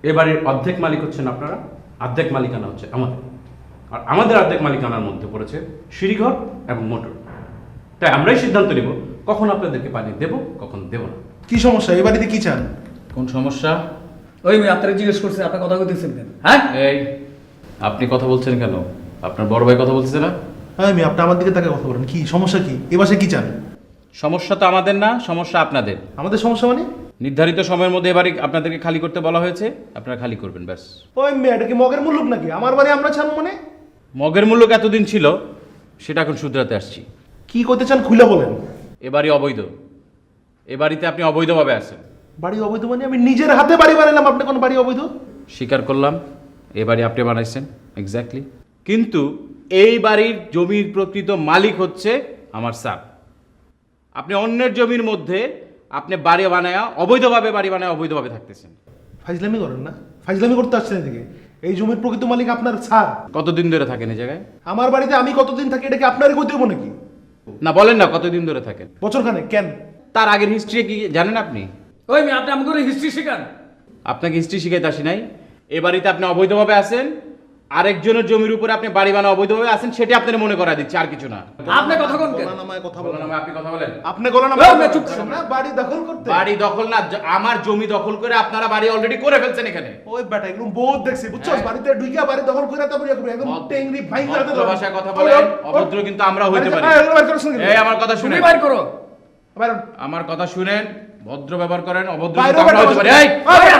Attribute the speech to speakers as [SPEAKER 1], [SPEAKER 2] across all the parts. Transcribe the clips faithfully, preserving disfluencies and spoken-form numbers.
[SPEAKER 1] এ বাড়ির অর্ধেক মালিক হচ্ছেন আপনারা, অর্ধেক মালিকানা হচ্ছে আমাদের। আর আমাদের অর্ধেক মালিকানার মধ্যে পড়েছে সিঁড়িঘর এবং মোটর। তাই আমরাই সিদ্ধান্ত নেব কখন আপনাদেরকে পানি দেব, কখন দেব না।
[SPEAKER 2] কি সমস্যা? এই বাড়িতে কি চান?
[SPEAKER 1] কোন সমস্যা?
[SPEAKER 3] ওই আমি আপনাকে জিজ্ঞেস করছি, আপনার কথা বলতেছেন কেন? হ্যাঁ,
[SPEAKER 1] এই আপনি কথা বলছেন কেন? আপনার বড় ভাই কথা বলতেছে না?
[SPEAKER 2] হ্যাঁ, আমি আপনি আমার দিকে তাকে কথা বলেন। কি সমস্যা? কি এ বাসায় কি চান?
[SPEAKER 1] সমস্যা তো আমাদের না, সমস্যা আপনাদের।
[SPEAKER 2] আমাদের সমস্যা মানে?
[SPEAKER 1] নির্ধারিত সময়ের মধ্যে এবারে আপনাদেরকে খালি করতে বলা হয়েছে, আপনারা খালি করবেন ব্যাস।
[SPEAKER 2] ওই মেয়ে, এটা কি মগের মুল্লুক নাকি? আমার বাড়ি আমরা চান মানে?
[SPEAKER 1] মগের মূল্য এতদিন ছিল, সেটা এখন শুধরাতে আসছি।
[SPEAKER 2] কি করতে চান খুলে বলেন।
[SPEAKER 1] এ বাড়ি অবৈধ, এ বাড়িতে আপনি অবৈধভাবে আছেন।
[SPEAKER 2] বাড়ি অবৈধ মানে? আমি নিজের হাতে বাড়ি বানালাম, আপনি কোন বাড়ি অবৈধ?
[SPEAKER 1] স্বীকার করলাম, এ বাড়ি আপনি বানাইছেন, এক্স্যাক্টলি। কিন্তু এই বাড়ির জমির প্রকৃত মালিক হচ্ছে আমার স্যার। আপনি অন্যের জমির মধ্যে আপনি বাড়ি বানায়া অবৈধভাবে বাড়ি বানায় অবৈধভাবে থাকতেছেন।
[SPEAKER 2] ফাইজলামি করেন না? ফাইজলামি করতে আসছেন এদিকে? এই জমির প্রকৃত মালিক আপনার স্যার।
[SPEAKER 1] কতদিন ধরে থাকেন এই জায়গায়?
[SPEAKER 2] আমার বাড়িতে আমি কতদিন থাকি এটাকে আপনারই কই দেবো নাকি?
[SPEAKER 1] না বলেন না, কতদিন ধরে থাকেন?
[SPEAKER 2] বছরখানে। কেন?
[SPEAKER 1] তার আগের হিস্ট্রি কি জানেন আপনি?
[SPEAKER 3] ওই আমি আপনি আমাকে হিস্ট্রি শেখান।
[SPEAKER 1] আপনাকে হিস্ট্রি শিখাইতে আসি নাই। এ বাড়িতে আপনি অবৈধভাবে আছেন, আরেকজনের জমির উপরে আপনি বাড়ি বানা অবৈধভাবে আছেন, সেটা আপনার মনে করা দিচ্ছে, আর কিছু না।
[SPEAKER 3] আপনি কথা কোন কেন?
[SPEAKER 2] গলা নামায় কথা
[SPEAKER 1] বলেন
[SPEAKER 2] বলেন।
[SPEAKER 1] না, আপনি কথা বলেন।
[SPEAKER 2] আপনি গলা
[SPEAKER 3] ওই,
[SPEAKER 2] নামায়
[SPEAKER 3] আপনি চুপ
[SPEAKER 2] চুপ
[SPEAKER 3] থাকুন।
[SPEAKER 2] না, বাড়ি দখল করতে।
[SPEAKER 1] বাড়ি দখল না, জ- আমার জমি দখল করে আপনারা বাড়ি অলরেডি করে ফেলছেন এখানে।
[SPEAKER 2] ওই বেটা এগুলো বহুত দেখছি, বুঝছস?
[SPEAKER 1] হ্যাঁ।
[SPEAKER 2] বাড়িতে ঢুইকা বাড়ি দখল করে তারপর ইয়া করবে, একদম টেংরি ভাই করে
[SPEAKER 1] ভদ্র ভাষায় কথা বলেন, অভদ্র কিন্তু আমরা হইতে পারি। এই আমার কথা
[SPEAKER 3] তুমি
[SPEAKER 1] শুনেন,
[SPEAKER 3] বাইর করো।
[SPEAKER 2] বাইরে
[SPEAKER 1] আমার কথা শুনেন, ভদ্র ব্যবহার করেন, অভদ্র
[SPEAKER 2] বাইরে
[SPEAKER 1] কিন্তু আমরা হইতে পারি। এই,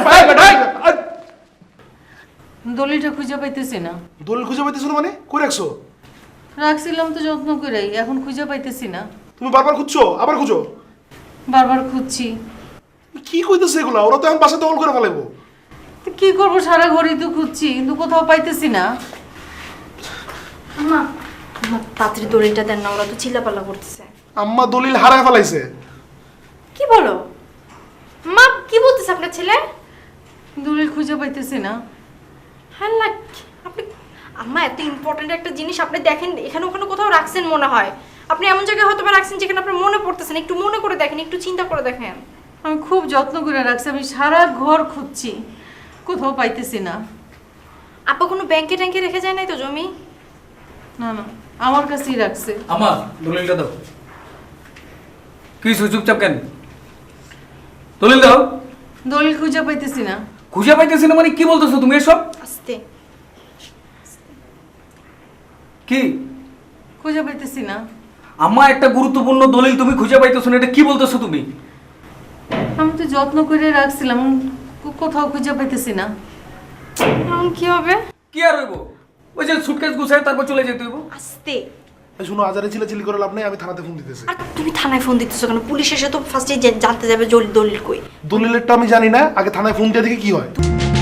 [SPEAKER 4] দলিলটা খুঁজে পাইতেছি না।
[SPEAKER 2] দলিল খুঁজে পাইতেছিল মানে? কই রাখছো?
[SPEAKER 4] রাখছিলাম তো যত্ন করেই, এখন খুঁজে পাইতেছি না।
[SPEAKER 2] তুমি বারবার খুঁজছো, আবার খুঁজো।
[SPEAKER 4] বারবার খুঁজছি।
[SPEAKER 2] কি কইতেছে এগুলা? ওরা তো এখন বাসা দখল করে ফেলাইবো।
[SPEAKER 4] তো কি করবো, সারা ঘড়ি তো খুঁজছি, কিন্তু কোথাও পাইতেছি না।
[SPEAKER 5] আম্মা, আমার তাড়াতাড়ি দড়িটা দেন না, ওরা তো চিল্লাপাল্লা করতেছে।
[SPEAKER 2] আম্মা দলিল হারায় ফেলাইছে।
[SPEAKER 5] কি বলো মা? কি বলতেছে আপনার ছেলে?
[SPEAKER 4] দলিল খুঁজে পাইতেছি না।
[SPEAKER 5] হ্যাঁ লাগ আপনি আম্মা, এত ইম্পর্ট্যান্ট একটা জিনিস আপনি দেখেন এখানে ওখানে কোথাও রাখছেন মনে হয়। আপনি এমন জায়গায় হয়তো বা রাখছেন যেখানে আপনার মনে পড়তেছেন। একটু মনে করে দেখেন, একটু চিন্তা করে দেখেন।
[SPEAKER 4] আমি খুব যত্ন করে রাখছি, আমি সারা ঘর খুঁজছি, কোথাও পাইতেছি না।
[SPEAKER 5] আপা কোনো ব্যাংকে ট্যাঙ্কে রেখে যায় নাই তো জমি?
[SPEAKER 4] না না, আমার কাছেই রাখছে।
[SPEAKER 3] আমার দলিলটা দাও। কি চুপচাপ কেন? দলিল দাও।
[SPEAKER 4] দলিল খুঁজে পাইতেছি না।
[SPEAKER 3] খুঁজে পাইতেছি না মানে কি বলতেছো তুমি এসব?
[SPEAKER 5] আস্তে।
[SPEAKER 3] কি
[SPEAKER 4] খুঁজে পাইতেছি না।
[SPEAKER 3] আমার একটা গুরুত্বপূর্ণ দলিল তুমি খুঁজে পাইতেছো না, এটা কি বলতেছো তুমি?
[SPEAKER 4] আমি তো যত্ন করে রাখছিলাম, কো- কোথাও খুঁজে পাইতেছি না।
[SPEAKER 5] এখন কি হবে?
[SPEAKER 3] কি আর হইব? ওই যে সুটকেস গুছায় তারপর চলে যেতে হইব।
[SPEAKER 5] আস্তে।
[SPEAKER 2] এই শুনো, আজারে চিল্লাচিল্লি করে লাভ নাই, আমি থানাতে ফোন দিতেছি।
[SPEAKER 5] আর তুমি থানায় ফোন দিতেছো কেন? পুলিশ এসে তো ফার্স্টে জানতে যাবে জল দলিল কই।
[SPEAKER 2] দলিলেরটা আমি জানি না, আগে থানায় ফোন দিয়ে দেখি কি হয়।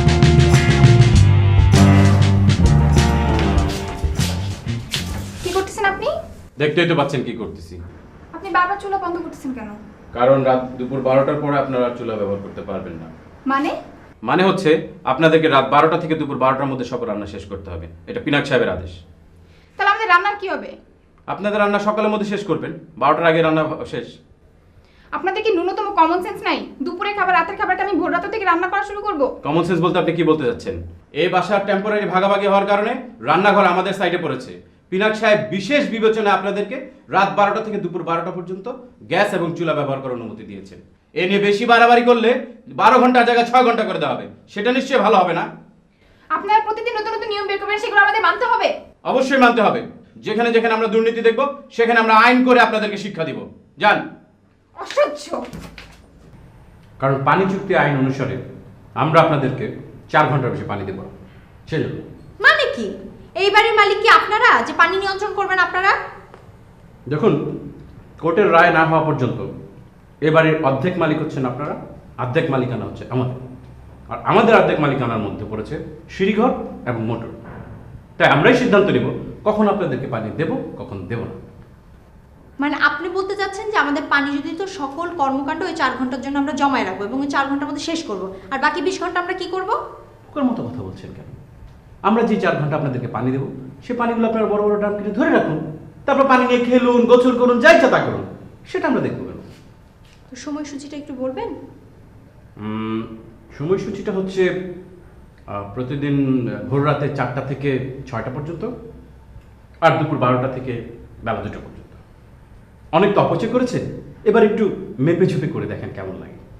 [SPEAKER 6] কি করতেছেন আপনি?
[SPEAKER 1] দেখতেই তো পাচ্ছেন কি করতেছি।
[SPEAKER 6] আপনি বারবার চুলা বন্ধ করতেছেন কেন?
[SPEAKER 1] কারণ রাত দুপুর বারোটার পরে আপনারা চুলা ব্যবহার করতে পারবেন না।
[SPEAKER 6] মানে?
[SPEAKER 1] মানে হচ্ছে আপনাদেরকে রাত বারোটা থেকে দুপুর বারোটার মধ্যে সব রান্না শেষ করতে হবে, এটা পিনাক সাহেবের আদেশ।
[SPEAKER 6] তাহলে আমাদের রান্নার কি হবে?
[SPEAKER 1] আপনাদের রান্না সকালের মধ্যে শেষ করবেন, বারোটার আগে রান্না শেষ।
[SPEAKER 6] আপনাদের কি ন্যূনতম কমন সেন্স নাই? দুপুরে খাবার রাতের খাবারটা আমি ভোর রাত থেকে রান্না করা শুরু করব?
[SPEAKER 1] কমন সেন্স বলতে আপনি কি বলতে চাচ্ছেন? এই বাসার টেম্পোরারি ভাগাভাগি হওয়ার কারণে রান্নাঘর আমাদের সাইডে পড়েছে। পিনাক সাহেব বিশেষ বিবেচনায় আপনাদেরকে রাত বারোটা থেকে দুপুর বারোটা পর্যন্ত গ্যাস এবং চুলা ব্যবহার করার অনুমতি দিয়েছেন। এ নিয়ে বেশি বাড়াবাড়ি করলে বারো ঘন্টার জায়গায় ছয় ঘন্টা করে দেওয়া হবে, সেটা নিশ্চয়ই ভালো হবে না।
[SPEAKER 6] আপনারা প্রতিদিন নতুন নতুন নিয়ম বের করবেন, সেগুলো আমাদের মানতে হবে।
[SPEAKER 1] অবশ্যই মানতে হবে। যেখানে যেখানে আমরা দুর্নীতি দেখব সেখানে আমরা আইন করে আপনাদেরকে শিক্ষা দিব। যান।
[SPEAKER 6] অসহ্য।
[SPEAKER 1] কারণ পানি চুক্তি আইন অনুসারে আমরা আপনাদেরকে চার ঘন্টার বেশি পানি দেব না, সেজন্য।
[SPEAKER 5] মানে কি? এই বাড়ির মালিক কি আপনারা, যে পানি নিয়ন্ত্রণ করবেন আপনারা?
[SPEAKER 1] দেখুন, কোর্টের রায় না হওয়া পর্যন্ত এ বাড়ির অর্ধেক মালিক হচ্ছেন আপনারা, অর্ধেক মালিকানা হচ্ছে আমাদের। আর আমাদের অর্ধেক মালিকানার মধ্যে পড়েছে সিঁড়িঘর এবং মোটর। তাই আমরাই সিদ্ধান্ত নেব কখন আপনাদেরকে পানি দেব, কখন দেব না।
[SPEAKER 5] মানে আপনি বলতে চাচ্ছেন যে আমাদের পানি যদি তো সকল কর্মকাণ্ড ওই চার ঘন্টার জন্য আমরা জমায় রাখবো এবং ওই চার ঘন্টার মধ্যে শেষ করব, আর বাকি বিশ ঘন্টা আমরা কি করব?
[SPEAKER 1] ওর মতো কথা বলছেন কেন? আমরা যে চার ঘন্টা আপনাদেরকে পানি দেবো, সে পানিগুলো আপনারা বড় বড় ড্রাম কিনে ধরে রাখুন, তারপর পানি নিয়ে খেলুন, গোসল করুন, যা ইচ্ছা তা করুন, সেটা আমরা দেখবো কেন?
[SPEAKER 5] তো সময়সূচিটা একটু বলবেন?
[SPEAKER 1] উম, সময়সূচিটা হচ্ছে আহ, প্রতিদিন ভোর রাতে চারটা থেকে ছয়টা পর্যন্ত, আর দুপুর বারোটা থেকে বেলা দুটো পর্যন্ত। অনেক তো অপচয় করেছে, এবার একটু মেপে ঝুপে করে দেখেন কেমন লাগে।